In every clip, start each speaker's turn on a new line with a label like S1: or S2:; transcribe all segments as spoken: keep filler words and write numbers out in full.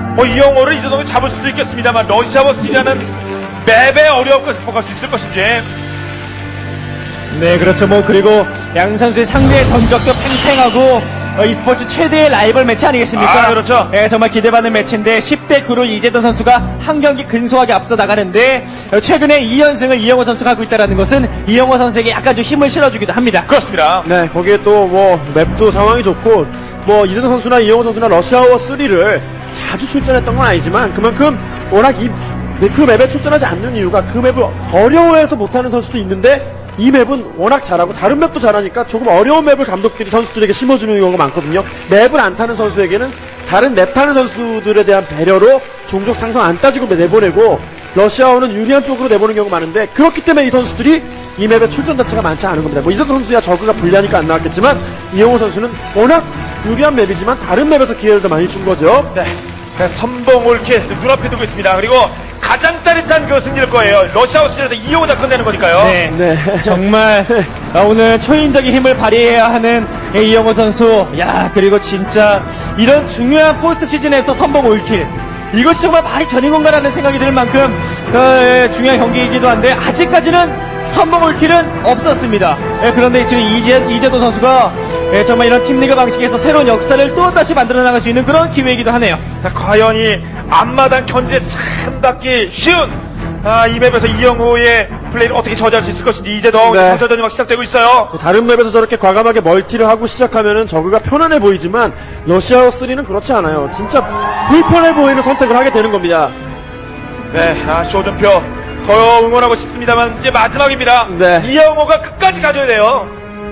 S1: 뭐 이영호를 이재동이 잡을 수도 있겠습니다만 러시아워 쓰리라는 맵에 어려움을 극복할 수 있을 것인지.
S2: 네, 그렇죠. 뭐 그리고 양 선수의 상대의 전적도 팽팽하고 어, e스포츠 최대의 라이벌 매치 아니겠습니까?
S1: 아, 그렇죠.
S2: 예, 정말 기대받는 매치인데 십 대 구로 이재동 선수가 한 경기 근소하게 앞서 나가는데 어, 최근에 이 연승을 이영호 선수가 하고 있다는 것은 이영호 선수에게 약간 좀 힘을 실어주기도 합니다.
S1: 그렇습니다.
S3: 네, 거기에 또 뭐 맵도 상황이 좋고 뭐 이재동 선수나 이영호 선수나 러시아워 쓰리를 자주 출전했던 건 아니지만 그만큼 워낙 이 그 맵에 출전하지 않는 이유가 그 맵을 어려워해서 못하는 선수도 있는데 이 맵은 워낙 잘하고 다른 맵도 잘하니까 조금 어려운 맵을 감독들이 선수들에게 심어주는 경우가 많거든요. 맵을 안 타는 선수에게는 다른 맵 타는 선수들에 대한 배려로 종족 상성 안 따지고 내보내고 러시아어는 유리한 쪽으로 내보는 경우가 많은데 그렇기 때문에 이 선수들이 이 맵에 출전 자체가 많지 않은 겁니다. 뭐 이재동 선수야 저그가 불리하니까 안 나왔겠지만 이영호 선수는 워낙 유리한 맵이지만 다른 맵에서 기회를 더 많이 준 거죠.
S1: 네. 선봉 올킬 눈앞에 두고 있습니다. 그리고 가장 짜릿한 그 승리일 거예요. 러시아워 쓰리에서 이영호 다 끝내는 거니까요.
S2: 네,
S3: 네.
S2: 정말 아, 오늘 초인적인 힘을 발휘해야 하는 예, 이영호 선수. 야, 그리고 진짜 이런 중요한 포스트 시즌에서 선봉 올킬. 이것이 정말 말이 되는 건가라는 생각이 들 만큼 어, 예, 중요한 경기이기도 한데 아직까지는 선봉 올킬은 없었습니다. 예, 그런데 지금 이재, 이재도 선수가 예, 정말 이런 팀리그 방식에서 새로운 역사를 또 다시 만들어 나갈 수 있는 그런 기회이기도 하네요.
S1: 자, 과연 이 앞마당 견제 참 받기 쉬운 아, 이 맵에서 이영호의 플레이를 어떻게 저지할 수 있을 것인지 이재동
S3: 네.
S1: 정찰전이 막 시작되고 있어요.
S3: 다른 맵에서 저렇게 과감하게 멀티를 하고 시작하면은 저그가 편안해 보이지만 러시아워 쓰리는 그렇지 않아요. 진짜 불편해 보이는 선택을 하게 되는 겁니다.
S1: 네, 아, 쇼준표 더 응원하고 싶습니다만 이제 마지막입니다.
S3: 네.
S1: 이영호가 끝까지 가져야 돼요.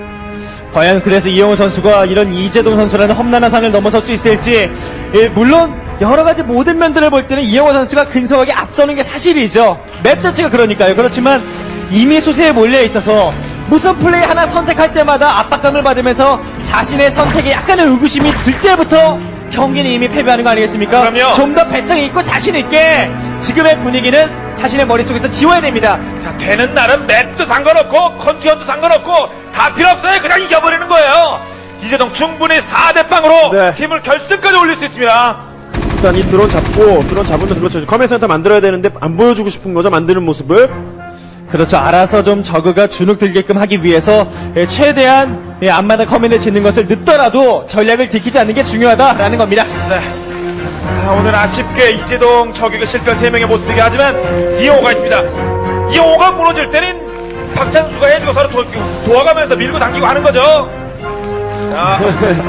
S2: 과연 그래서 이영호 선수가 이런 이재동 선수라는 험난한 산을 넘어설 수 있을지. 예, 물론 여러 가지 모든 면들을 볼 때는 이영호 선수가 근소하게 앞서는 게 사실이죠. 맵 자체가 그러니까요. 그렇지만 이미 수세에 몰려 있어서 무슨 플레이 하나 선택할 때마다 압박감을 받으면서 자신의 선택에 약간의 의구심이 들 때부터 경기는 이미 패배하는 거 아니겠습니까?
S1: 그럼요.
S2: 좀 더 배짱이 있고 자신 있게 지금의 분위기는 자신의 머릿속에서 지워야 됩니다.
S1: 자, 되는 날은 맵도 상관없고 컨디션도 상관없고 다 필요 없어요. 그냥 이겨버리는 거예요. 이재동 충분히 사 대 빵으로
S3: 네.
S1: 팀을 결승까지 올릴 수 있습니다.
S3: 일단 이 드론 잡고 드론 잡으면서 그렇죠. 커맨드 센터 만들어야 되는데 안 보여주고 싶은 거죠. 만드는 모습을.
S2: 그렇죠. 알아서 좀 저그가 주눅 들게끔 하기 위해서 예, 최대한 예, 앞마다 커맨드 짓는 것을 늦더라도 전략을 지키지 않는 게 중요하다라는 겁니다.
S1: 네. 아, 오늘 아쉽게 이재동 저격에 실패한 세 명의 모습이긴 하지만 이영호가 있습니다. 이영호가 무너질 때는 박찬수가 해주고 서로 도, 도와가면서 밀고 당기고 하는 거죠. 자,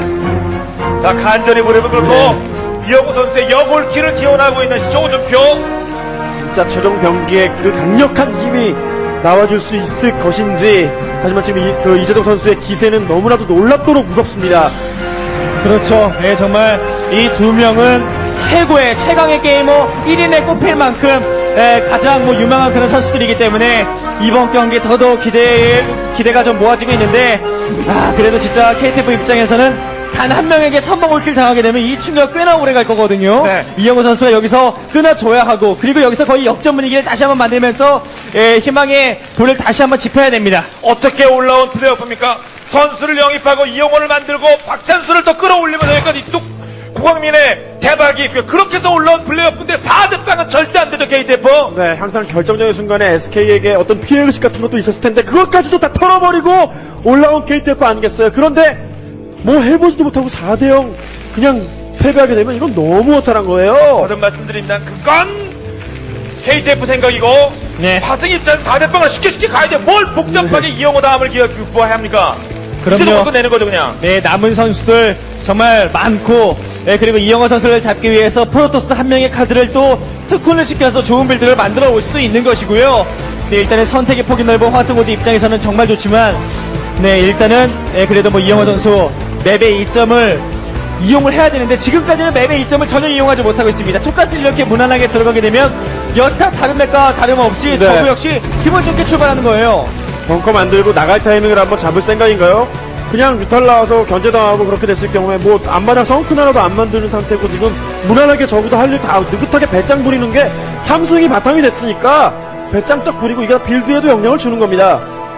S1: 자 간절히 무릎을 꿇고
S3: 네.
S1: 이영호 선수의 역올킬을 기원하고 있는 쇼준표.
S3: 진짜 최종 경기에 그 강력한 힘이 나와줄 수 있을 것인지. 하지만 지금 이, 그 이재동 선수의 기세는 너무나도 놀랍도록 무섭습니다.
S2: 그렇죠. 예, 정말 이 두 명은 최고의 최강의 게이머 일 인에 꼽힐 만큼 예, 가장 뭐 유명한 그런 선수들이기 때문에 이번 경기 더더욱 기대 기대가 좀 모아지고 있는데 아 그래도 진짜 케이티에프 입장에서는 단 한 명에게 선봉 올킬 당하게 되면 이 충격 꽤나 오래 갈 거거든요.
S1: 네.
S2: 이영호 선수가 여기서 끊어줘야 하고 그리고 여기서 거의 역전 분위기를 다시 한번 만들면서 예, 희망의 불을 다시 한번 지펴야 됩니다.
S1: 어떻게 올라온 플레이오프입니까? 선수를 영입하고 이영호를 만들고 박찬수를 더 끌어올리면서 여기까지 뚝 고광민의 대박이 있고요. 그렇게 해서 올라온 플레이오프인데 사 대 빵은 절대 안 되죠, 케이티에프.
S3: 네, 항상 결정적인 순간에 에스케이에게 어떤 피해의식 같은 것도 있었을 텐데 그것까지도 다 털어버리고 올라온 케이티에프 아니겠어요? 그런데 뭐 해보지도 못하고 사 대 영 그냥 패배하게 되면 이건 너무 허탈한 거예요.
S1: 거듭 말씀드립니다. 그건 케이티에프 생각이고
S2: 네.
S1: 화승 입장에서 사 대 빵을 쉽게 쉽게 가야 돼. 뭘 복잡하게 이영호 다음을 기억해야 합니까?
S2: 그럼요.
S1: 이제도 끝내는 거죠, 그냥.
S2: 네, 남은 선수들 정말 많고, 네, 그리고 이영호 선수를 잡기 위해서 프로토스 한 명의 카드를 또 특훈을 시켜서 좋은 빌드를 만들어 올 수도 있는 것이고요. 네, 일단은 선택의 폭이 넓은 화승호지 입장에서는 정말 좋지만, 네, 일단은, 네, 그래도 뭐 이영호 선수 맵의 이점을 이용을 해야 되는데 지금까지는 맵의 이점을 전혀 이용하지 못하고 있습니다. 투가스 이렇게 무난하게 들어가게 되면 여타 다른 맵과 다름없이
S3: 네.
S2: 저구 역시 기분 좋게 출발하는 거예요.
S3: 벙커 만들고 나갈 타이밍을 한번 잡을 생각인가요? 그냥 뮤탈 나와서 견제당하고 그렇게 됐을 경우에 뭐 앞마당 성큰 하나도 안 만드는 상태고 지금 무난하게 저기도 할 일 다 느긋하게 배짱 부리는 게 삼승이 바탕이 됐으니까 배짱 딱 부리고 이게 빌드에도 영향을 주는 겁니다.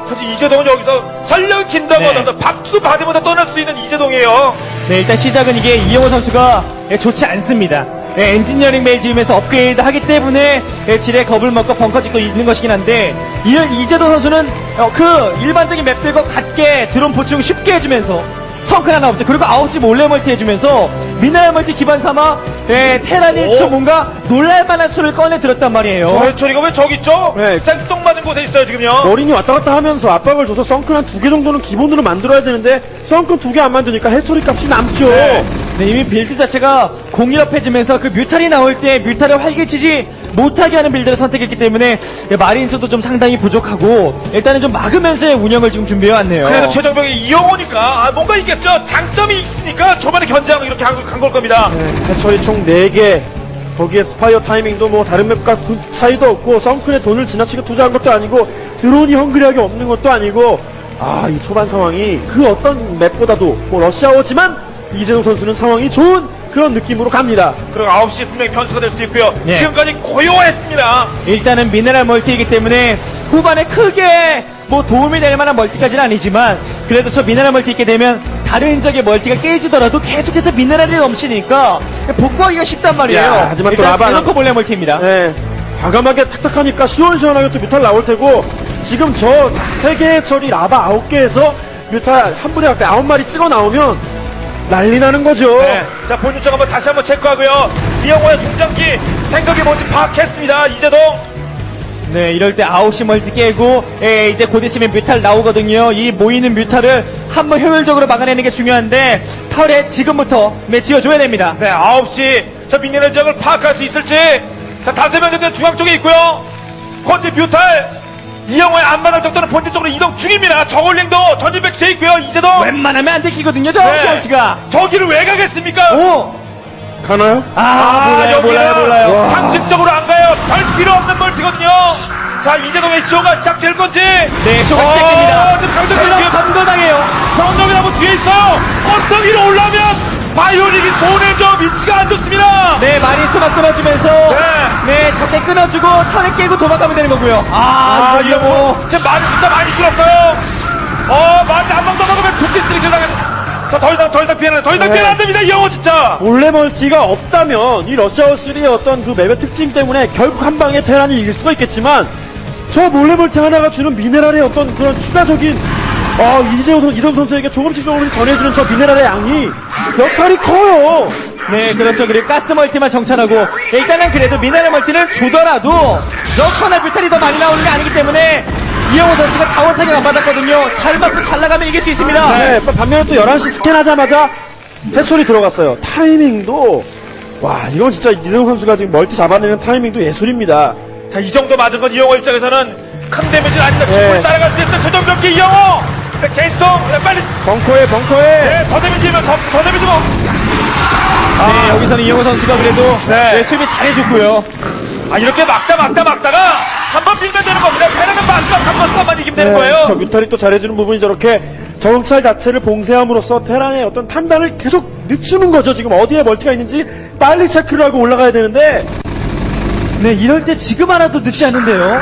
S1: 사실 이재동은 여기서 설령 진다고
S2: 네.
S1: 하더라도 박수 받으면서 떠날 수 있는 이재동이에요.
S2: 네, 일단 시작은 이게 이영호 선수가 예, 좋지 않습니다. 예, 엔지니어링 메일 지으면서 업그레이드 하기 때문에 예, 지뢰 겁을 먹고 벙커 짓고 있는 것이긴 한데 이, 이재동 선수는 어, 그 일반적인 맵들과 같게 드론 보충 쉽게 해주면서 성큰 하나 없죠. 그리고 아홉 시 몰래 멀티 해주면서 미네랄 멀티 기반 삼아 예, 테란이
S1: 오.
S2: 좀 뭔가 놀랄만한 수를 꺼내 들었단 말이에요.
S1: 저 해처리가 왜 저기 있죠?
S3: 네.
S1: 생뚱맞은 곳에 있어요 지금요.
S3: 머린이 왔다 갔다 하면서 압박을 줘서 썬큰 한 두 개 정도는 기본으로 만들어야 되는데 썬큰 두 개 안 만드니까 해처리 값이 남죠.
S1: 네.
S2: 네, 이미 빌드 자체가 공일업해지면서 그 뮤탈이 나올 때 뮤탈을 활개치지 못하게 하는 빌드를 선택했기 때문에 마린수도 좀 상당히 부족하고 일단은 좀 막으면서의 운영을 지금 준비해왔네요.
S1: 그래도 최정병이 이영호니까 아, 뭔가 있겠죠. 장점이 있으니까 저번에 견장 이렇게 간 걸 겁니다.
S3: 네, 해처리 총 네 개. 거기에 스파이어 타이밍도 뭐 다른 맵과 그 차이도 없고 썬큰에 돈을 지나치게 투자한 것도 아니고 드론이 헝그리하게 없는 것도 아니고 아, 이 초반 상황이 그 어떤 맵보다도 뭐 러시아워지만 이재동 선수는 상황이 좋은 그런 느낌으로 갑니다.
S1: 그리고 아홉 시 분명히 변수가 될 수 있고요.
S2: 네.
S1: 지금까지 고요했습니다.
S2: 일단은 미네랄 멀티이기 때문에 후반에 크게 뭐 도움이 될 만한 멀티까지는 아니지만 그래도 저 미네랄 멀티 있게 되면 다른 적의 멀티가 깨지더라도 계속해서 미네랄이 넘치니까 복구하기가 쉽단 말이에요.
S3: 야, 하지만 또
S2: 일단
S3: 라바는-
S2: 대놓고 몰래 멀티입니다.
S3: 네, 과감하게 탁탁하니까 시원시원하게 또 뮤탈 나올 테고 지금 저 세 개의 처리 라바 아홉 개에서 뮤탈 한 분에 가까이 아홉 마리 찍어 나오면 난리 나는 거죠.
S1: 네. 자, 본인적 한번 다시 한번 체크하고요. 이영호의 중장기 생각이 뭔지 파악했습니다. 이재동.
S2: 네, 이럴 때 아홉 시 멀티 깨고 예, 이제 곧 있으면 뮤탈 나오거든요. 이 모이는 뮤탈을 한번 효율적으로 막아내는 게 중요한데 털에 지금부터 매 지어줘야 됩니다.
S1: 네, 아홉 시 저 미네랄 지역을 파악할 수 있을지. 자, 다섯 명도 중앙 쪽에 있고요. 콘디 뮤탈. 이영호의 앞마당 정도는 본진 쪽으로 이동 중입니다. 저울링도 전진 백스에 있고요. 이재동.
S2: 웬만하면 안 들키거든요, 저
S1: 네.
S2: 멀티가.
S1: 저기를 왜 가겠습니까?
S2: 오!
S3: 가나요?
S2: 아, 몰라요,
S1: 여기는
S2: 몰라요, 몰라요.
S1: 상식적으로 안 가요. 별 필요 없는 멀티거든요. 자, 이재동의 쇼가 시작될 건지.
S2: 네, 쇼가
S1: 어,
S2: 시작됩니다.
S1: 지금 강정이
S2: 물론
S1: 뒤에,
S2: 전거당해요.
S1: 강정이라고 뒤에 있어요. 언덕 위로 올라오면 바이오닉이 돈을 줘. 위치가 안 좋습니다.
S2: 네, 마리수가 끊어주면서
S1: 네.
S2: 네, 적대 끊어주고 턴을 깨고 도망가면 되는 거고요.
S1: 아,
S2: 아,
S1: 이거
S2: 이거 뭐
S1: 지금 많이 진짜 많이 줄었어요. 어, 많이 한방 더 먹으면 두 피스트리 들어가겠 자, 더 이상, 더 이상 피해는, 더 이상
S3: 네.
S1: 피해는 안 됩니다. 이 영호 진짜.
S3: 몰래 멀티가 없다면 이 러시아워 쓰리의 어떤 그 맵의 특징 때문에 결국 한 방에 테란이 이길 수가 있겠지만 저 몰래 멀티 하나가 주는 미네랄의 어떤 그런 추가적인 어, 이재호 선수, 이동 선수에게 조금씩 조금씩 전해주는 저 미네랄의 양이 역할이 커요.
S2: 네, 그렇죠. 그리고 가스 멀티만 정찰하고 일단은 그래도 미네랄 멀티는 주더라도 러커나 뷰탈이 더 많이 나오는 게 아니기 때문에 이영호 선수가 자원 타격 안 받았거든요. 잘 맞고 잘 나가면 이길 수 있습니다.
S3: 네, 반면에 또 열한 시 스캔하자마자 해철이 들어갔어요. 타이밍도 와, 이건 진짜 이재호 선수가 지금 멀티 잡아내는 타이밍도 예술입니다.
S1: 자, 이 정도 맞은 건 이영호 입장에서는 큰 데미지는 아니다.
S3: 네.
S1: 충분히 따라갈 수 있는 최종 경기 이영호. 네, 계속 네, 빨리
S3: 벙커에 벙커에
S1: 네, 더 데미지면 더, 더 데미지면
S2: 네, 여기서는 이영호 선수가 그래도
S1: 네.
S2: 네, 수비 잘해줬고요.
S1: 아, 이렇게 막다 막다 막다가 한 번 빌면 되는 겁니다. 패는 마지막 한 번만 이기면 되는 거예요.
S3: 저 뮤탈이 또 잘해주는 부분이 저렇게 정찰 자체를 봉쇄함으로써 테란의 어떤 판단을 계속 늦추는 거죠. 지금 어디에 멀티가 있는지 빨리 체크를 하고 올라가야 되는데
S2: 네, 이럴 때 지금 하나도 늦지 않은데요.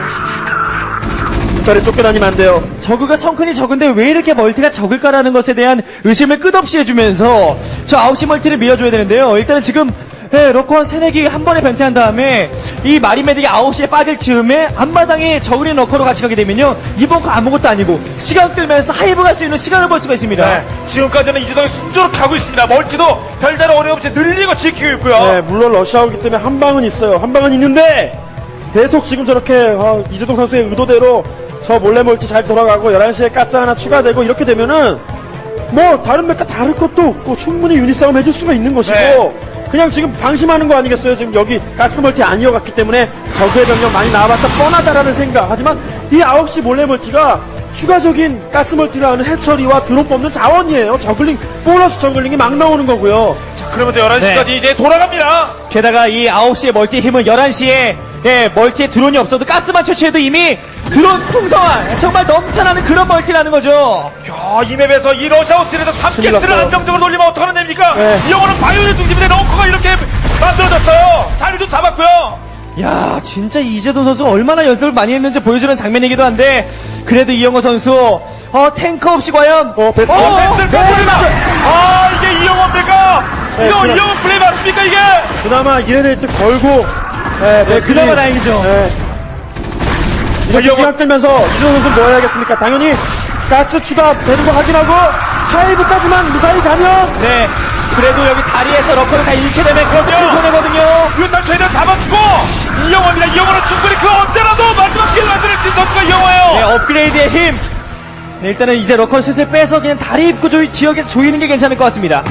S3: 뮤탈에 쫓겨다니면 안 돼요.
S2: 저그가 성큰이 적은데 왜 이렇게 멀티가 적을까라는 것에 대한 의심을 끝없이 해주면서 저 아홉 시 멀티를 밀어줘야 되는데요. 일단은 지금 네, 러커 세네 개 한 번에 변태한 다음에 이 마리메딕이 아홉 시에 빠질 즈음에 앞마당에 저그린 러커로 같이 가게 되면요. 이번 거 아무것도 아니고 시간 끌면서 하이브 갈 수 있는 시간을 벌 수가 있습니다.
S1: 네, 지금까지는 이재동이 순조롭게 가고 있습니다. 멀티도 별다른 어려움 없이 늘리고 지키고 있고요.
S3: 네, 물론 러시아오기 때문에 한 방은 있어요. 한 방은 있는데 계속 지금 저렇게 어, 이재동 선수의 의도대로 저 몰래 멀티 잘 돌아가고 열한 시에 가스 하나 추가되고 이렇게 되면은 뭐 다른 맵과 다를 것도 없고 충분히 유닛 싸움 해줄 수가 있는 것이고
S1: 네.
S3: 그냥 지금 방심하는 거 아니겠어요? 지금 여기 가스 멀티 아니어갔기 때문에 적의 병력 많이 나와봤자 뻔하다라는 생각. 하지만 이 아홉 시 몰래 멀티가 추가적인 가스 멀티라는 해처리와 드론 뽑는 자원이에요. 저글링 보너스 저글링이 막 나오는 거고요.
S1: 자, 그러면 열한 시까지
S2: 네.
S1: 이제 돌아갑니다.
S2: 게다가 이 아홉 시의 멀티의 힘은 열한 시에 예, 멀티에 드론이 없어도 가스만 채취해도 이미 드론 풍성한 정말 넘쳐나는 그런 멀티라는 거죠.
S1: 야, 이 맵에서 이 러시아우스에서 삼
S3: 큰일
S1: 개스를
S3: 났어요.
S1: 안정적으로 돌리면 어떡하는 됩니까?
S3: 네.
S1: 이 영호는 바이오의 중심인데 렁커가 이렇게 만들어졌어요. 자리도 잡았고요.
S2: 야, 진짜 이재동 선수가 얼마나 연습을 많이 했는지 보여주는 장면이기도 한데, 그래도 이영호 선수, 어, 탱크 없이 과연,
S3: 어, 베스.
S1: 어, 뱃을 뺐습니다. 아, 이게 이영호입니까?
S3: 네,
S1: 이거
S3: 그냥-
S1: 이영호 플레이 맞습니까, 이게?
S3: 그나마 이레네이트 걸고 네,
S2: 네, 그나마 다행이죠.
S3: 네. 이렇게
S1: 이영호-
S3: 시간 끌면서 이재동 선수 뭐 해야겠습니까? 당연히 가스 추가 되는 거 확인하고 하이브까지만 무사히 가면
S2: 네. 그래도 여기 다리에서 러커를 다 잃게 되면 그것도 큰 손해거든요.
S1: 일단 최대한 잡아주고, 이영호입니다. 이영호는 충분히 그 언제라도 마지막 기회를 만들 수 있는 선수가 이영호예요.
S2: 네, 업그레이드의 힘. 네, 일단은 이제 러커를 슬슬 빼서 그냥 다리 입구 조, 지역에서 조이는 게 괜찮을 것 같습니다.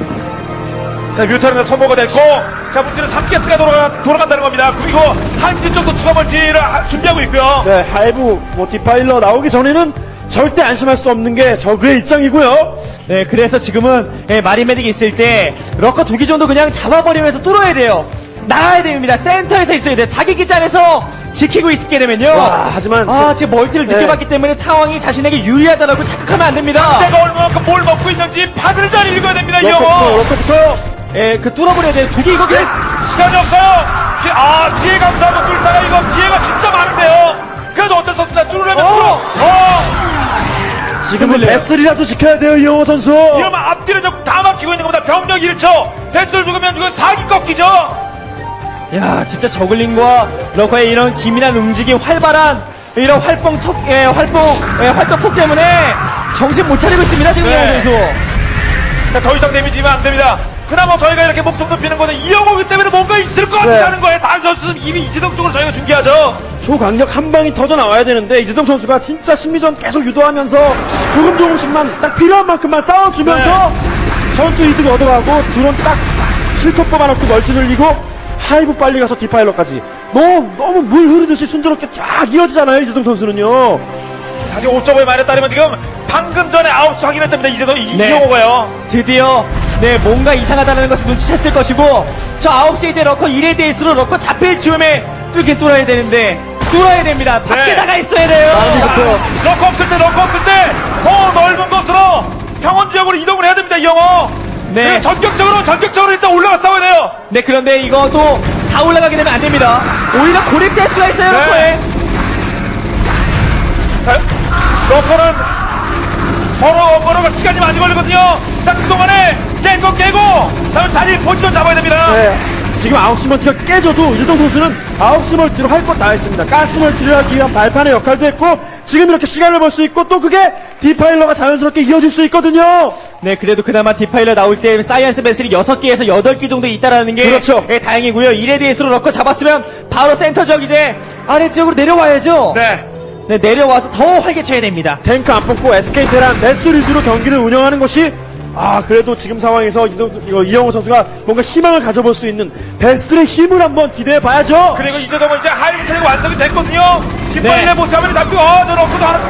S1: 자, 뮤타는 선모가 됐고, 자, 문제는 삼 가스가 돌아가, 돌아간다는 겁니다. 그리고 한지 쪽도 추가 멀티를 하- 준비하고 있고요.
S3: 네, 하이브 뭐 디파일러 나오기 전에는 절대 안심할 수 없는 게 저그의 입장이고요.
S2: 네, 그래서 지금은 예, 마리메딕이 있을 때 러커 두 기 정도 그냥 잡아버리면서 뚫어야 돼요. 나가야 됩니다. 센터에서 있어야 돼요. 자기 기지 안에서 지키고 있게 되면요.
S3: 와, 하지만
S2: 아,
S3: 그-
S2: 지금 멀티를
S3: 네.
S2: 느껴봤기 때문에 상황이 자신에게 유리하다라고 착각하면 안 됩니다.
S1: 내가 얼마만큼 뭘 먹고 있는지 판을 잘 읽어야 됩니다,
S3: 러커부터
S1: 이영호.
S3: 러커부터
S2: 예, 그 뚫어버려야 돼요. 두 개 이거 그냥
S1: 시간이 없어요. 피- 아, 피해 감사하고 뚫다가 이거 피해가 진짜 많은데요. 그래도 어쩔 수 없습니다. 뚫으려면
S2: 어!
S1: 뚫어. 어!
S3: 지금은
S2: 흔들려요.
S3: 베슬이라도 지켜야 돼요, 이영호 선수.
S1: 이러면 앞뒤를 좀 다 막히고 있는 겁니다. 병력 일 초. 배수를 죽으면 이거 사기 꺾이죠.
S2: 야, 진짜 저글링과 러커의 이런 기민한 움직임, 활발한 이런 활동 톡, 예, 활동, 예, 활동 폭 때문에 정신 못 차리고 있습니다, 지금
S1: 네.
S2: 이영호 선수.
S1: 자, 더 이상 데미지면 안 됩니다. 그나마 저희가 이렇게 목숨 높이는 거는 이영호기 때문에 뭔가 있을 것
S3: 네.
S1: 같다는 거예요. 다른 선수는 이미 이재동 쪽으로 저희가 중계하죠.
S3: 초강력 한 방이 터져 나와야 되는데 이재동 선수가 진짜 심리전 계속 유도하면서 조금 조금씩만 딱 필요한 만큼만 싸워주면서 전투 이득 얻어가고 드론 딱 실컷 뽑아놓고 멀티 늘리고 하이브 빨리 가서 디파일러까지 너무 너무 물 흐르듯이 순조롭게 쫙 이어지잖아요, 이재동 선수는요.
S1: 사실 오 점 오의 말에 따르면 지금 방금 전에 아홉 수 확인했답니다. 이재동, 이-
S2: 네.
S1: 이영호가요.
S2: 드디어 네 뭔가 이상하다는 것을 눈치챘을 것이고 저 아홉 시에 이제 러커 일에 대해서 러커 잡힐 즈음에 뚫긴 뚫어야 되는데 뚫어야 됩니다. 밖에
S1: 네.
S2: 나가 있어야 돼요.
S3: 자,
S1: 럭커 없을 때, 럭커 없을 때, 더 넓은 곳으로 평원 지역으로 이동을 해야 됩니다, 이영호.
S2: 네.
S1: 그리고 전격적으로, 전격적으로 일단 올라가 싸워야 돼요.
S2: 네, 그런데 이것도 다 올라가게 되면 안 됩니다. 오히려 고립될 수가 있어요,
S1: 네.
S2: 러커에.
S1: 자, 럭커는 서로 걸어갈 시간이 많이 걸리거든요. 자, 그동안에 깬 거 깨고, 다음 자리 포지션 잡아야 됩니다.
S3: 네. 지금 아홉 시 멀티가 깨져도 이재동 선수는 아홉 시 멀티로 할 것 다 했습니다. 가스 멀티를 하기 위한 발판의 역할도 했고 지금 이렇게 시간을 벌 수 있고 또 그게 디파일러가 자연스럽게 이어질 수 있거든요.
S2: 네, 그래도 그나마 디파일러 나올 때 사이언스 배슬이 여섯 개에서 여덟 개 정도 있다라는 게
S3: 그렇죠.
S2: 예, 다행이고요. 일에 대해서로 러커 잡았으면 바로 센터 지역 이제 아래쪽으로 내려와야죠.
S1: 네.
S2: 네, 내려와서 더 활개쳐야 됩니다.
S3: 탱크 안 뽑고 에스케이 테란 데스 리즈로 경기를 운영하는 것이 아 그래도 지금 상황에서 이동, 이거 이영호 선수가 뭔가 희망을 가져볼 수 있는 데스의 힘을 한번 기대해 봐야죠.
S1: 그리고 이재동은 이제 하이브 체제가 완성이 됐거든요. 뒷발의
S2: 네.
S1: 모습 화면에 잡히고, 어, 저 럭커도 하나.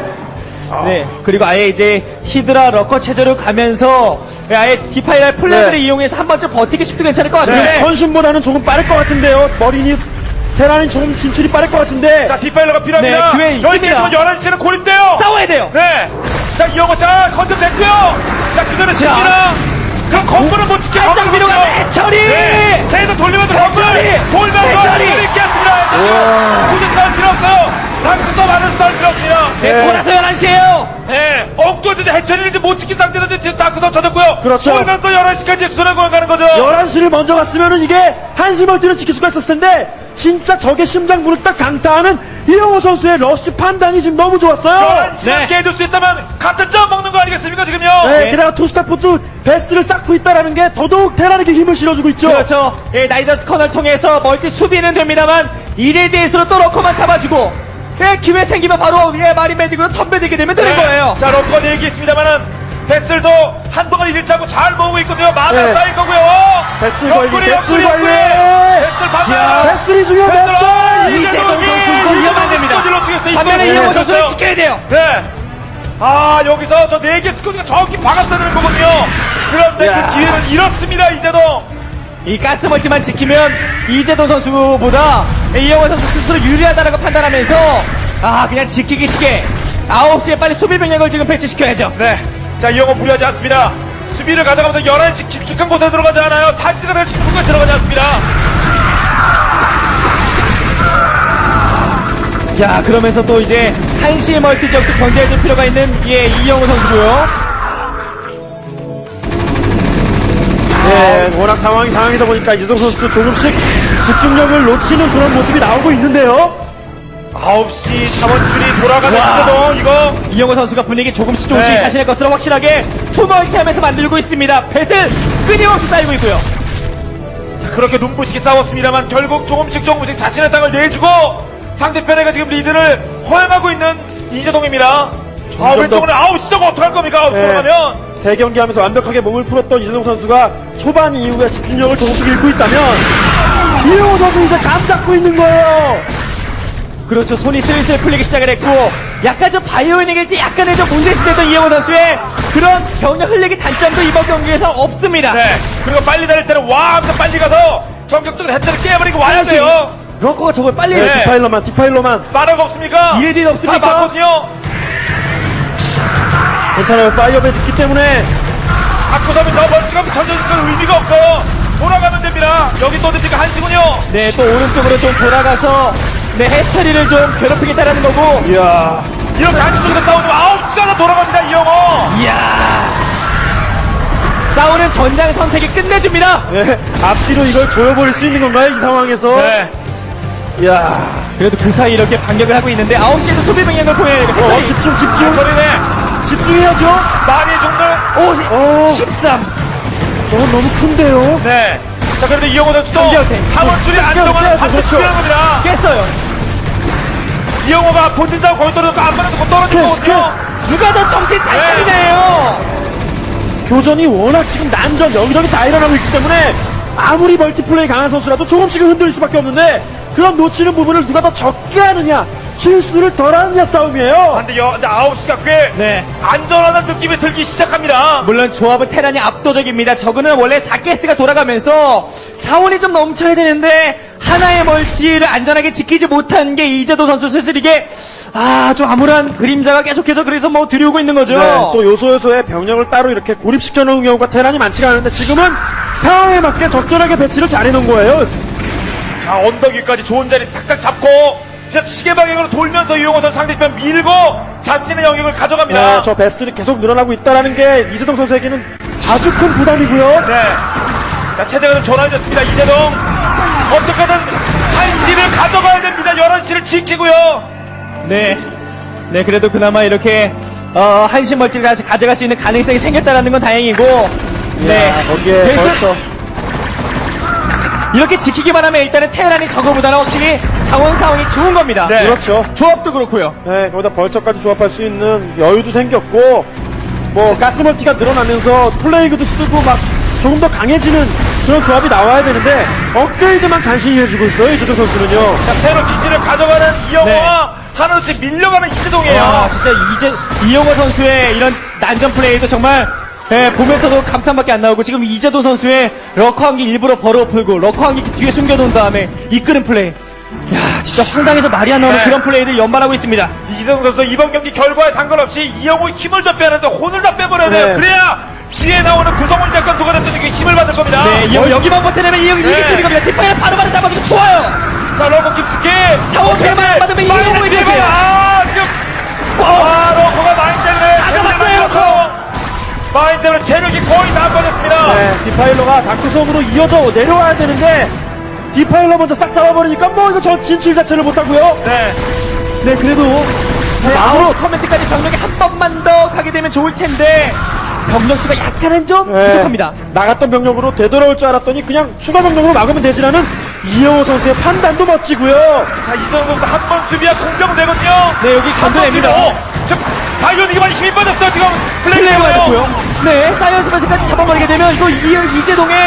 S2: 네, 그리고 아예 이제 히드라 러커 체제로 가면서 아예 디파일러 플랜을
S3: 네.
S2: 이용해서 한 번쯤 버티기 싶도 괜찮을 것 같은데.
S3: 네, 컨슘보다는 조금 빠를 것 같은데요. 머리니 테란이 조금 진출이 빠를 것 같은데.
S1: 자, 뒷발로가 필요합니다.
S2: 네, 기회 있습니다.
S1: 열한 시에는 고립돼요.
S2: 싸워야 돼요.
S1: 네. 자, 이영호 자, 컨셉 됐고요. 자, 그대로 칩니다. 그럼 건물은 못 지켜.
S2: 살짝 위로 가면 해처리!
S1: 네. 계속 돌리면서 건물.
S2: 해처리!
S1: 돌면서
S2: 해처리!
S1: 건물이 깼습니다. 굳이 싸울 필요 없어요. 단수도 많은 싸울 필요 없어요.
S2: 네, 돌아서 열한 시에요.
S1: 네. 엉뚱한 해처리를 이제 못 지킨 상태에서 이제 다크도 쳐졌고요.
S3: 그렇죠.
S1: 돌면서 열한 시까지 수뇌 공연 가는 거죠.
S3: 열한 시를 먼저 갔으면은 이게 한 시 멀티를 지킬 수가 있었을 텐데 진짜 적의 심장부를 딱 강타하는 이영호 선수의 러쉬 판단이 지금 너무 좋았어요.
S1: 열한 시간
S2: 네.
S1: 깨줄 수 있다면 같은 점 먹는 거 아니겠습니까, 지금요?
S3: 네,
S2: 네.
S3: 게다가 투스타포트 베스를 쌓고 있다라는 게 더더욱 테란에게 힘을 실어주고 있죠.
S2: 그렇죠. 예, 나이더스 커널 통해서 멀티 수비는 됩니다만 일에 대해서는 또 러커만 잡아주고 예, 기회 생기면 바로 예, 마리메딕으로 덤벼들게 되면 되는
S1: 네.
S2: 거예요.
S1: 자, 럭커 얘기했습니다만은 베슬도 한동안 일차고 잘 모으고 있거든요. 마다
S3: 네.
S1: 쌓일 거고요.
S3: 베슬 관리,
S1: 옆구리,
S3: 베슬
S1: 옆구리,
S3: 관리.
S1: 옆구리. 베슬 반면.
S3: 베스리 중요한
S1: 베슬,
S3: 베스.
S1: 아,
S2: 이재동 선수 이러면 안 됩니다. 반면에
S1: 네.
S2: 이영호 선수는 지켜야 돼요.
S1: 네. 아, 여기서 저 네 개 스쿼드가 정확히 박았어야 되는 거거든요. 그런데
S3: 야.
S1: 그 기회는 잃었습니다, 이재동.
S2: 이 가스 멀티만 지키면 이재동 선수보다 이영호 선수 스스로 유리하다는 걸 판단하면서 아 그냥 지키기 쉽게 아홉 시에 빨리 수비 병력을 지금 배치시켜야죠.
S1: 네. 자, 이영호 무리하지 않습니다. 수비를 가져가면서 열한 시 깊숙한 곳에 들어가지 않아요. 탈지가 될 깊은 곳에 들어가지 않습니다.
S2: 야, 그러면서 또 이제 한시 멀티 지역도 견제해줄 필요가 있는 예, 이영호 선수고요.
S3: 네, 워낙 상황이 상황이다 보니까 이재동 선수도 조금씩 집중력을 놓치는 그런 모습이 나오고 있는데요.
S1: 아홉 시 자원줄이 돌아가는 이재동, 이거.
S2: 이영호 선수가 분위기 조금씩 조금씩
S1: 네.
S2: 자신의 것으로 확실하게 투멀티하면서 만들고 있습니다. 배슬 끊임없이 쌓이고 있고요.
S1: 자, 그렇게 눈부시게 싸웠습니다만 결국 조금씩 조금씩 자신의 땅을 내주고 상대편에게 지금 리드를 허용하고 있는 이재동입니다. 아,
S3: 더-
S1: 왼쪽으로 아우 시저가 어떡할 겁니까?
S3: 네.
S1: 돌아가면.
S3: 세 경기 하면서 완벽하게 몸을 풀었던 이재동 선수가 초반 이후에 집중력을 조금씩 잃고 있다면 이영호 선수 이제 감 잡고 있는 거예요.
S2: 그렇죠. 손이 슬슬 풀리기 시작을 했고 약간 좀 바이오닉일 때 약간의 좀 문제시됐던 이영호 선수의 그런 병력 흘리기 단점도 이번 경기에서 없습니다.
S1: 네. 그리고 빨리 달릴 때는 와 하면서 빨리 가서 전격적으로 해체를 깨버리고 와야
S2: 그렇지.
S1: 돼요.
S2: 러커가 저걸 빨리
S3: 네,
S1: 네.
S3: 디파일러만 디파일러만
S1: 빠르가 없습니까?
S2: 이레디 없습니까?
S1: 다 맞거든요.
S3: 괜찮아요. 파이어벳 있기 때문에
S1: 갖고 서면 저 멀찌감 던져줄 의미가 없어요. 돌아가면 됩니다. 여기 또 됩니까? 한시군요.
S2: 네, 또 오른쪽으로 좀 돌아가서 네, 해처리를 좀 괴롭히겠다라는 거고.
S3: 이야
S1: 이렇게 한쪽에서 싸우면 아홉 시간을 돌아갑니다. 이영호.
S2: 이야. 싸우는 전장 선택이 끝내줍니다.
S3: 네, 앞뒤로 이걸 조여버릴 수 있는 건가요? 이 상황에서
S1: 네.
S3: 이야
S2: 그래도 그 사이 이렇게 반격을 하고 있는데 아홉 시에도 수비 병력을 보여야 되고
S3: 어, 집중 집중
S1: 저리네.
S3: 집중해야죠.
S1: 많이 죽는.
S3: 오,
S2: 십삼.
S3: 저건 너무 큰데요.
S1: 네. 자, 그런데 이영호 선수도
S2: 한지어택.
S1: 사원줄이 안정화는
S3: 깨야죠,
S1: 반드시
S3: 그렇죠.
S1: 필요한 겁니다.
S2: 깼어요.
S1: 이영호가 본진다고 거기 떨어졌고 앞만에서 곧 떨어진
S3: 스킬,
S1: 거거든요.
S2: 누가 더 정신 잘
S1: 네.
S2: 차리네요.
S3: 교전이 워낙 지금 난전 여기저기 다 일어나고 있기 때문에 아무리 멀티플레이 강한 선수라도 조금씩은 흔들릴 수밖에 없는데 그런 놓치는 부분을 누가 더 적게 하느냐 실수를 덜 하느냐 싸움이에요.
S1: 근데 여, 근데 아홉 시가 꽤
S2: 네.
S1: 안전하다는 느낌이 들기 시작합니다.
S2: 물론 조합은 테란이 압도적입니다. 저그는 원래 사 가스가 돌아가면서 자원이 좀 넘쳐야 되는데 하나의 멀티를 안전하게 지키지 못한 게 이재도 선수 슬슬 이게 아, 좀 암울한 그림자가 계속해서 그래서 뭐 들이오고 있는 거죠.
S3: 네, 또 요소 요소에 병력을 따로 이렇게 고립시켜 놓은 경우가 테란이 많지가 않은데 지금은 상황에 맞게 적절하게 배치를 잘 해놓은 거예요.
S1: 자, 언덕 위까지 좋은 자리 탁탁 잡고 진짜 시계 방향으로 돌면서 이용호 선수 상대편 밀고 자신의 영역을 가져갑니다.
S3: 네, 저 배슬이 계속 늘어나고 있다는 게 이재동 선수에게는 아주 큰 부담이고요.
S1: 네. 자, 체제가 좀 전환해졌습니다. 이재동. 어떻게든 한 시를 가져가야 됩니다. 열한 시를 지키고요.
S2: 네. 네, 그래도 그나마 이렇게 어, 한신 멀티를 다시 가져갈 수 있는 가능성이 생겼다는 건 다행이고. 네.
S3: 야, 거기에
S2: 그래서
S3: 벌써
S2: 이렇게 지키기만 하면 일단은 테란이 저거보다는 확실히 자원 상황이 좋은 겁니다.
S1: 네.
S3: 그렇죠.
S2: 조합도 그렇고요.
S3: 네, 거기다 벌처까지 조합할 수 있는 여유도 생겼고, 뭐, 가스멀티가 늘어나면서 플레이그도 쓰고 막 조금 더 강해지는 그런 조합이 나와야 되는데, 업그레이드만 간신히 해주고 있어요, 이재동 선수는요.
S1: 자, 새로 기지를 가져가는 이영호와 하나씩 밀려가는 이재동이에요.
S2: 아, 진짜 이제 이영호 선수의 이런 난전 플레이도 정말 예, 보면서도 감탄밖에 안 나오고 지금 이재도 선수의 러커 한기 일부러 벌어 풀고 러커 한기 뒤에 숨겨놓은 다음에 이끄는 플레이. 야, 진짜 황당해서 말이 안 나오는
S1: 네.
S2: 그런 플레이들 연발하고 있습니다.
S1: 이재동 선수 이번 경기 결과에 상관없이 이영호의 힘을 좀 빼는데 혼을 다 빼버려야 돼요.
S3: 네.
S1: 그래야 뒤에 나오는 구성원 작전 누가 됐든 이게 힘을 받을 겁니다.
S2: 네, 이영호 여기만 버텨내면 이영호
S1: 네.
S2: 이길 수 있는 겁니다. 뒷방에 바로바로 잡아주고 좋아요.
S1: 자, 러커 깊게.
S2: 자원 대만 받으면 이영호의
S1: 마인드
S2: 패스.
S1: 대만. 아, 지금. 아, 러커가 마인드 때문에.
S2: 다 잡았어요, 러커.
S1: 마인드 때문에 체력이 거의 다 빠졌습니다.
S3: 네, 디파일러가 다크섬으로 이어져 내려와야 되는데, 디파일러 먼저 싹 잡아버리니까 뭐 이거 저 진출 자체를 못하고요.
S1: 네.
S2: 네, 그래도 네,
S3: 마음으로-
S2: 아웃 커맨드까지 병력이 한 번만 더 가게 되면 좋을 텐데 병력 수가 약간은 좀
S3: 네,
S2: 부족합니다.
S3: 나갔던 병력으로 되돌아올 줄 알았더니 그냥 추가 병력으로 막으면 되지라는 이영호 선수의 판단도 멋지고요.
S1: 자, 이재동 선수 한 번 수비야 공격 되거든요.
S2: 네, 여기 견뎌냅니다.
S1: 저, 바이오닉이 많이 힘이 빠졌어요, 지금.
S2: 플레이가
S1: 플레이가
S2: 됐고요. 네, 사이언스 베스까지 잡아버리게 되면 이거 이, 이재동의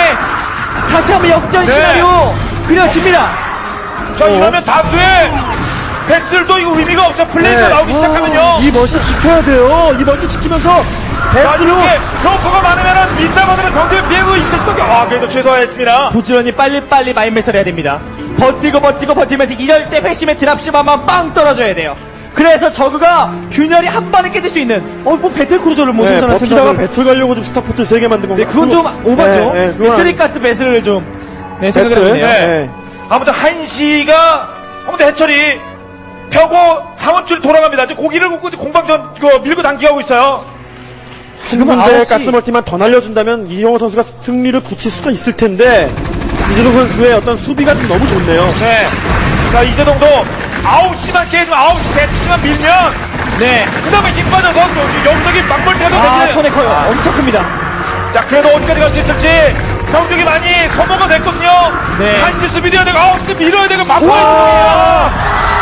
S2: 다시 한번 역전
S1: 네.
S2: 시나리오 그려집니다.
S1: 자, 이러면 다수의 패스들도 이거 의미가 없어. 플레이가 나오기 시작하면요.
S3: 어, 이 멀티 지켜야 돼요. 이 멀티 지키면서
S1: 자,
S3: 배스로
S1: 이렇게 러커가 많으면은 민다받으면 경쟁 피해고 있을 수밖에. 아, 그래도 최소화했습니다.
S2: 부지런히 빨리빨리 마인매설 해야 됩니다. 버티고 버티고 버티면서 이럴 때 회심의 드랍십 한번 빵 떨어져야 돼요. 그래서 저그가 균열이 한 번에 깨질 수 있는 어 뭐 배틀크루저를 뭐
S3: 네,
S2: 생산할
S3: 버티다가
S2: 생각을
S3: 배틀 가려고 좀 스타포트 세 개 만든 건가?
S2: 네, 그건 좀 오바죠.
S3: 네, 네, 그건
S2: 쓰리가스 배슬을 좀 네, 생각을
S3: 배틀?
S2: 해보네요.
S1: 네.
S3: 네.
S1: 아무튼 한시가, 아무튼 해철이 펴고 자원줄 돌아갑니다. 이제 고기를 굽고 공방전 그 밀고 당기고 있어요.
S3: 지금
S2: 아홉
S3: 문제
S2: 시.
S3: 가스멀티만 더 날려준다면 이영호 선수가 승리를 굳힐 수가 있을 텐데 이재동 선수의 어떤 수비가 좀 너무 좋네요.
S1: 네. 자, 이재동도 아홉 시만 깨지면 아홉 시 대충만 밀면
S2: 네.
S1: 그 다음에 힘 빠져서 영석이 막물태도
S2: 아,
S1: 되지.
S2: 손에 커요. 엄청 큽니다.
S1: 자, 그래도 어디까지 갈 수 있을지 병력이 많이 소모가 됐거든요.
S2: 네.
S1: 한시 수비돼야 되고 아홉 시 밀어야 되고 막고
S2: 와.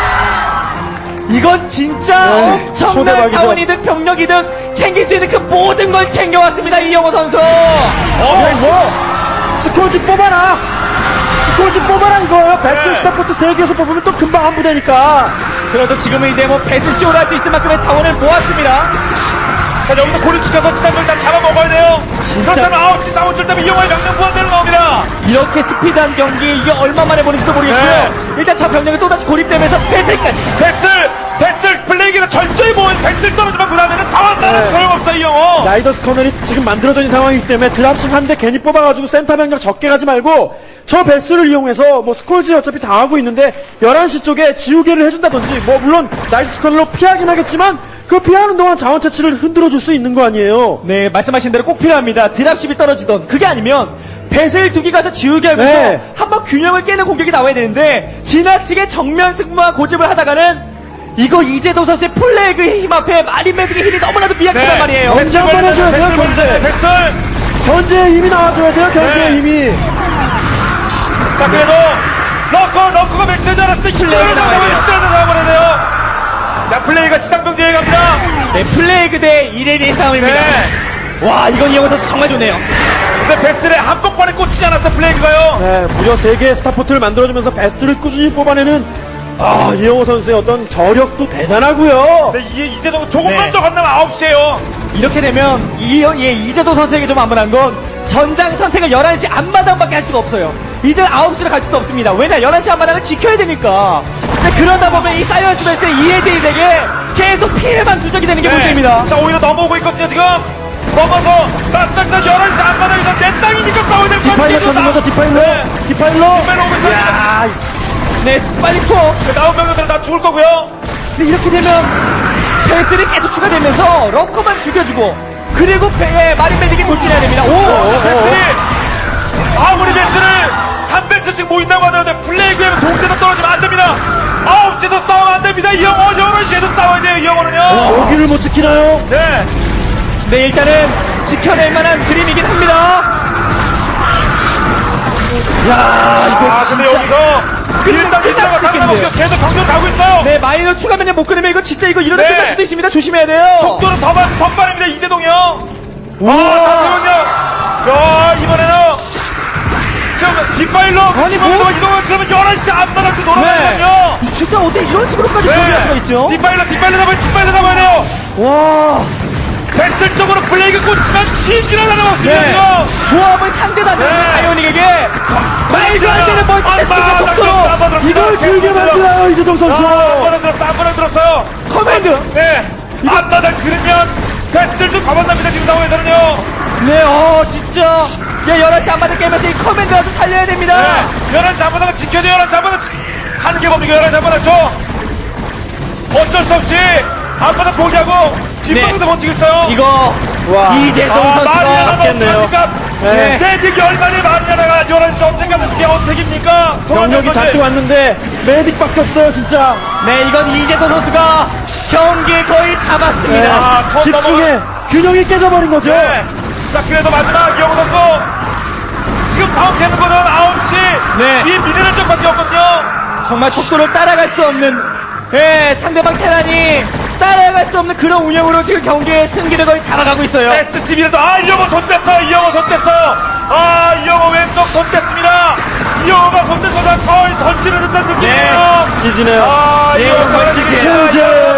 S2: 이건 진짜
S3: 네,
S2: 엄청난
S3: 초대박이죠.
S2: 자원이든 병력이든 챙길 수 있는 그 모든 걸 챙겨왔습니다. 이영호 선수.
S3: 어, 뭐 스콜지 뽑아라. 스콜지 뽑아라 이거예요. 베스트
S1: 네.
S3: 스타포트 세 개에서 뽑으면 또 금방 안 부대니까.
S2: 그래도 지금은 이제 뭐 배스쇼를 할 수 있을 만큼의 자원을 모았습니다.
S1: 자, 여기서 고립시켜서 지상을 일단 잡아먹어야 돼요.
S2: 진짜.
S1: 그렇다면 아홉 시 자원줄 때문에 이영호의 명령 부활되는 겁니다.
S2: 이렇게 스피드한 경기 이게 얼마 만에 보는지도 모르겠고요.
S1: 네.
S2: 일단 저 병력이 또다시 고립되면서 패스까지.
S1: 배슬! 배슬! 플레이기는 철저히 모은 배슬 떨어지면 그 다음에는 자원다는
S3: 네.
S1: 소용없어, 이영호.
S3: 라이더스 커널이 지금 만들어져 있는 상황이기 때문에 드랍십 한 대 괜히 뽑아가지고 센터 병력 적게 가지 말고 저 베스를 이용해서 뭐 스콜지 어차피 다 하고 있는데 열한 시 쪽에 지우개를 해준다든지 뭐 물론 라이더스 커널로 피하긴 하겠지만 그 피하는 동안 자원 채취를 흔들어줄 수 있는 거 아니에요.
S2: 네, 말씀하신 대로 꼭 필요합니다. 드랍십이 떨어지던 그게 아니면 배슬 두 개 가서 지우개 하면서
S3: 네.
S2: 한번 균형을 깨는 공격이 나와야 되는데 지나치게 정면 승부와 고집을 하다가는 이거 이재동 선수의 플래그의 힘 앞에 마린 매듭의 힘이 너무나도 미약하단 말이에요.
S3: 견제 한번 해줘야 돼요, 견제.
S1: 배슬!
S3: 견제의 힘이 나와줘야 돼요, 견제의
S1: 네.
S3: 힘이.
S1: 자, 그래도 러커, 러커가 맥되지 않았을 때
S2: 플레이가
S1: 히트를
S2: 나와야
S1: 잡아버려야
S2: 돼요.
S1: 히트를 잡아버려야 돼요. 자, 플레이가 지상병제에 갑니다.
S2: 네, 플래그 대 이레디의 싸움입니다.
S1: 네.
S2: 와, 이건 이영호 선수 정말 좋네요.
S1: 근데 베스트에 한복판에 꽂히지 않았어, 플레이가요.
S3: 네, 무려 세 개의 스타포트를 만들어주면서 베스트를 꾸준히 뽑아내는 아, 이영호 선수의 어떤 저력도 대단하고요.
S1: 근데 이, 이제도 조금만
S2: 네.
S1: 더 간다면 아홉 시에요.
S2: 이렇게 되면 이, 예, 이재동 선수에게 좀 안문한 건 전장 선택을 열한 시 앞마당밖에 할 수가 없어요. 이제 아홉 시로 갈 수도 없습니다. 왜냐, 열한 시 앞마당을 지켜야 되니까. 근데 그러다 보면 이 사이언스 베스의 이에디에게 계속 피해만 누적이 되는 게 문제입니다.
S1: 자, 오히려 넘어오고 있거든요, 지금. 넘어서, 나스닥다 열한 시 앞마당에서 내 땅이니까 싸워야 될 것 같아요.
S3: 디파일러 찾는 거죠, 디파일러.
S1: 네.
S3: 디파일러.
S1: 디파일러 오고 있어요.
S3: 야,
S2: 네, 빨리 투어.
S1: 나온 병력들은 다 죽을 거고요.
S2: 근데 이렇게 되면 베스를 계속 추가되면서 럭커만 죽여주고 그리고 배에 마린 메딕이 돌진해야 됩니다. 오!
S1: 베스트리 아무리 베스트를 삼백 초씩 모인다고 하는데 플레이그에 동세도 떨어지면 안 됩니다. 아홉 시도 싸우면 안 됩니다. 이영호, 열한 시에도 싸워야 돼요, 이영호는요.
S3: 여기를 못 지키나요?
S1: 네.
S2: 네, 일단은 지켜낼 만한 그림이긴 합니다. 야, 이거
S1: 아, 근데
S2: 진짜.
S1: 여기서 일단
S2: 끝날
S1: 일단가
S2: 수도 있겠는데요.
S1: 상관없죠. 계속 경쟁 가고 있어요.
S2: 네, 마이너 추가면에 못 끊으면 이거 진짜 이거 이러다
S1: 네.
S2: 끝날 수도 있습니다. 조심해야 돼요.
S1: 속도는 더, 빠- 더 빠릅니다, 이재동이 형. 와, 잠시만요. 야, 이번에는 지금 뒷바일로
S2: 아니, 뭐?
S1: 이동을 이동을 그러면 열한 시 앞바닥도 돌아가거든요.
S2: 네. 진짜 어떻게 이런 식으로까지 준비할 수가 있죠?
S1: 뒷바일로, 뒷바일로 잡아야, 뒷바일로 잡아야 돼요.
S2: 와,
S1: 뱃슬 쪽으로 플레이가 꽂히면 진지를 날아갔습니다,
S2: 네.
S1: 지금.
S2: 조합을 상대도 안 되는
S1: 네.
S2: 아이오닉에게 말도 안 되는 멀티태스킹과 속도로
S3: 이걸 길게 만들어요, 이재동 선수.
S1: 한번은 들었어, 한번은 들었어요.
S2: 커맨드.
S1: 네. 앞바닥 그러면 뱃슬도 가만납니다, 지금 상황에서는요.
S2: 네, 어, 진짜. 야, 열한 시 안맞을 게임에서 이 커맨드라도 살려야 됩니다.
S1: 네. 열한 시 앞바닥은 지켜줘요, 열한 시 앞바닥. 지- 하는 게 뭡니까, 열한 시 앞바닥 줘. 어쩔 수 없이 앞바닥 포기하고 뒷바닥도 버티고 있어요.
S2: 이거,
S3: 와.
S2: 이재동
S1: 아,
S2: 선수가.
S1: 마리아나가
S3: 맞겠네요.
S1: 어떡합니까?
S3: 네.
S1: 네, 지금 열만이 마리아나가 열한 시 언제까지 그게 어택입니까?
S3: 병력이 잔뜩 왔는데 메딕밖에 없어요, 진짜.
S2: 네, 이건 이재동 선수가 경기 거의 잡았습니다.
S3: 네.
S1: 아, 처음
S3: 집중해. 균형이 깨져버린 거죠.
S1: 네. 자, 그래도 마지막 이영호 선수. 지금 자원 캐는 거는 아홉 시.
S2: 네.
S1: 이 미네랄 쪽밖에 없거든요.
S2: 정말 속도를 따라갈 수 없는, 예, 상대방 테란이 따라갈 수 없는 그런 운영으로 지금 경기의 승기를 거의 잡아가고 있어요.
S1: 에스씨비라도, 아, 이영호 손 뗐어. 이영호 손 뗐어. 아, 이영호 왼쪽 손 뗐습니다. 이영호가 손 뗐어서 거의 던지는 듯한 느낌이에요.
S3: 지지네요.
S1: 아,
S2: 네,
S1: 이영호
S2: 거의
S1: 던지기.
S2: 지지네요.
S3: 최재.